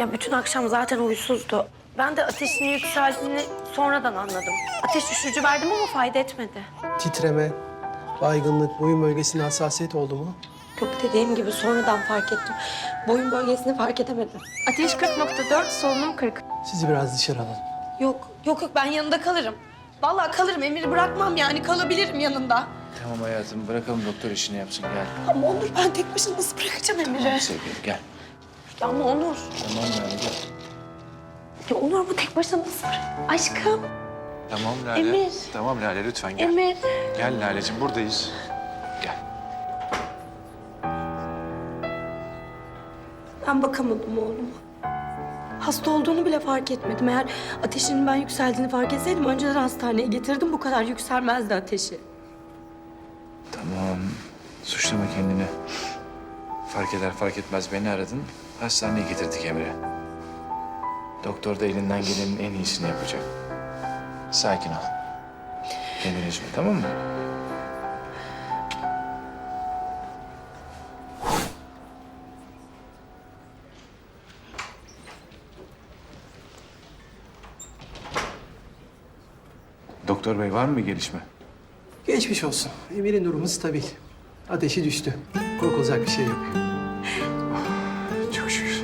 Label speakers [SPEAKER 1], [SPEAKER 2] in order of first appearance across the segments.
[SPEAKER 1] Ya bütün akşam zaten huysuzdu. Ben de ateşinin yükseldiğini sonradan anladım. Ateş düşürücü verdim ama fayda etmedi.
[SPEAKER 2] Titreme, baygınlık, boyun bölgesinde hassasiyet oldu mu?
[SPEAKER 1] Yok, dediğim gibi sonradan fark ettim. Boyun bölgesini fark edemedim. Ateş 40.4, solunum 40.
[SPEAKER 2] Sizi biraz dışarı alalım.
[SPEAKER 1] Yok ben yanında kalırım. Vallahi kalırım, Emir'i bırakmam yani, kalabilirim yanında.
[SPEAKER 3] Tamam hayatım, bırakalım doktor işini yapsın, gel.
[SPEAKER 1] Ama Onur, ben tek başına nasıl bırakacağım Emir'i?
[SPEAKER 3] Sevgilim gel.
[SPEAKER 1] Ya ama Onur.
[SPEAKER 3] Tamam Lale gel.
[SPEAKER 1] Ya Onur, bu tek başına nasıl Aşkım,
[SPEAKER 3] Tamam Lale.
[SPEAKER 1] Emir.
[SPEAKER 3] Tamam Lale lütfen gel.
[SPEAKER 1] Emir.
[SPEAKER 3] Gel Lale'cim buradayız. Gel.
[SPEAKER 1] Ben bakamadım oğluma. Hasta olduğunu bile fark etmedim. Eğer ateşinin ben yükseldiğini fark etseydim önceden hastaneye getirdim. Bu kadar yükselmezdi ateşi.
[SPEAKER 3] Tamam. Suçlama kendini. Fark eder fark etmez beni aradın. Hastaneye getirdik Emre. Doktor da elinden gelenin en iyisini yapacak. Sakin ol. Kendini üzme, tamam mı? Doktor bey var mı bir gelişme?
[SPEAKER 2] Geçmiş olsun. Emir'in durumu stabil. Ateşi düştü. Korkulacak bir şey yok.
[SPEAKER 3] Çok şükür.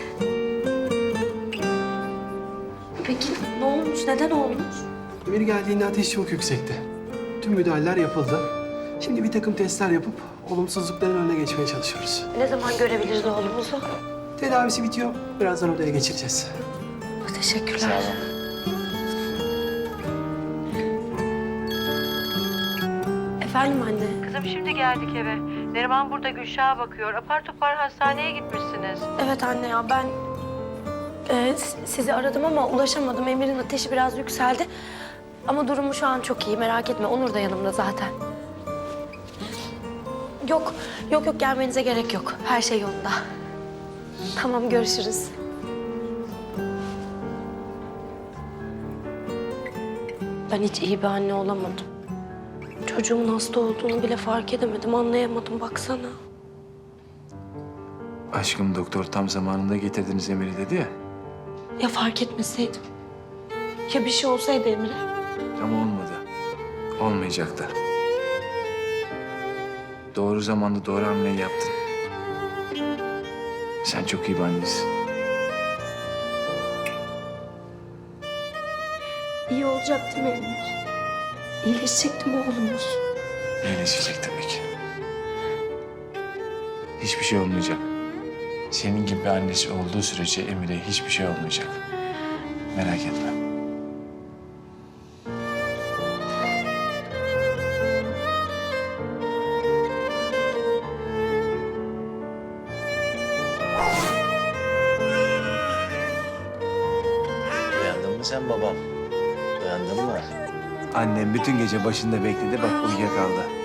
[SPEAKER 1] Peki ne olmuş? Neden olmuş?
[SPEAKER 2] Emir geldiğinde ateş çok yüksekti. Tüm müdahaleler yapıldı. Şimdi bir takım testler yapıp olumsuzlukların önüne geçmeye çalışıyoruz.
[SPEAKER 1] Ne zaman görebiliriz oğlumuzu?
[SPEAKER 2] Tedavisi bitiyor. Birazdan odaya geçireceğiz.
[SPEAKER 1] Teşekkürler.
[SPEAKER 3] Sağ olun.
[SPEAKER 1] Efendim anne.
[SPEAKER 4] Kızım şimdi geldik eve. Neriman burada Gülşah'a bakıyor. Apar topar hastaneye gitmişsiniz.
[SPEAKER 1] Evet anne ya, ben sizi aradım ama ulaşamadım. Emir'in ateşi biraz yükseldi. Ama durumu şu an çok iyi, merak etme. Onur da yanımda zaten. Yok gelmenize gerek yok. Her şey yolunda. Tamam, görüşürüz. Ben hiç iyi bir anne olamadım. Çocuğumun hasta olduğunu bile fark edemedim, anlayamadım baksana.
[SPEAKER 3] Aşkım doktor tam zamanında getirdiniz Emir'i dedi ya.
[SPEAKER 1] Ya fark etmeseydim? Ya bir şey olsaydı Emir'e?
[SPEAKER 3] Ama olmadı. Olmayacak da. Doğru zamanda doğru hamleyi yaptın. Sen çok iyi bir annesin.
[SPEAKER 1] İyi olacak değil mi Emir? İyileşecek değil mi oğlumuz?
[SPEAKER 3] İyileşecek tabii ki. Hiçbir şey olmayacak. Senin gibi annesi olduğu sürece Emir'e hiçbir şey olmayacak. Merak etme.
[SPEAKER 5] Uyandın mı sen babam? Uyandın mı?
[SPEAKER 3] Annem bütün gece başında bekledi, bak uyuyakaldı.